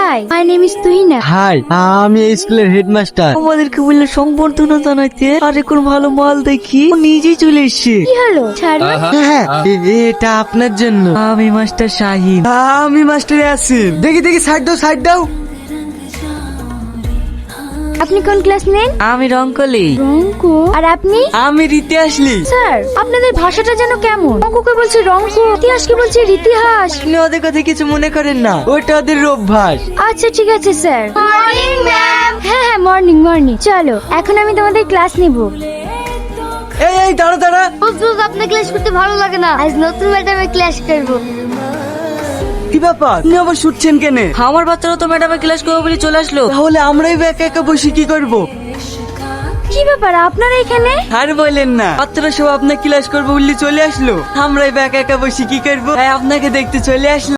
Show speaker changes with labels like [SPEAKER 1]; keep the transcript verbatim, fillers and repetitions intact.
[SPEAKER 1] High, my name is Tuhina.
[SPEAKER 2] Hi, আমি এই স্কুলের হেডমাস্টার।
[SPEAKER 3] আমাদেরকে বললে সম্বর্ধনা জানাইতে, আর এখন ভালো মাল দেখি ও নিজেই চলে এসছে।
[SPEAKER 1] কি হলো ছাড়ো।
[SPEAKER 2] হ্যাঁ, এ- এটা আপনার জন্য।
[SPEAKER 3] আমি মাস্টার শাহিন।
[SPEAKER 2] আমি মাস্টারে আছি। দেখি দেখি সাইড দাও, সাইড দাও।
[SPEAKER 1] আপনি কোন ক্লাস নেন?
[SPEAKER 3] আমি রঙ্কলি।
[SPEAKER 1] রঙ্কু। আর আপনি?
[SPEAKER 2] আমি রীতি আসলি।
[SPEAKER 1] স্যার, আপনাদের ভাষাটা যেন কেমন। রঙ্কুকে বলছে রঙ্কু, ইতিহাসকে বলছে ইতিহাস।
[SPEAKER 2] আপনি ওদের কথা কিছু মনে করেন না, ওটা ওদের অভ্যাস।
[SPEAKER 1] আচ্ছা ঠিক আছে স্যার। Morning ma'am. হ্যাঁ হ্যাঁ মর্নিং মর্নিং। চলো এখন আমি তোমাদের ক্লাস নিব।
[SPEAKER 2] এই এই দাঁড়া দাঁড়া।
[SPEAKER 1] হুজুর আপনার ক্লাস করতে ভালো লাগে না, আজ নতুন ম্যাডামের ক্লাস করব।
[SPEAKER 2] কি ব্যাপার, আপনি আবার শুটছেন কেন?
[SPEAKER 3] আমার বাচ্চারা তো ম্যাডামের ক্লাস করবো বলে চলে আসলো।
[SPEAKER 2] তাহলে আমরাই বা একা একা বসে কি করব?
[SPEAKER 1] কি ব্যাপার আপনারা এখানে?
[SPEAKER 2] আর বলেন না, বাচ্চারা সব আপনার ক্লাস করবো বললে চলে আসলো। আমরাই বা একা একা বসে কি করবো? তাই আপনাকে দেখতে চলে আসলো।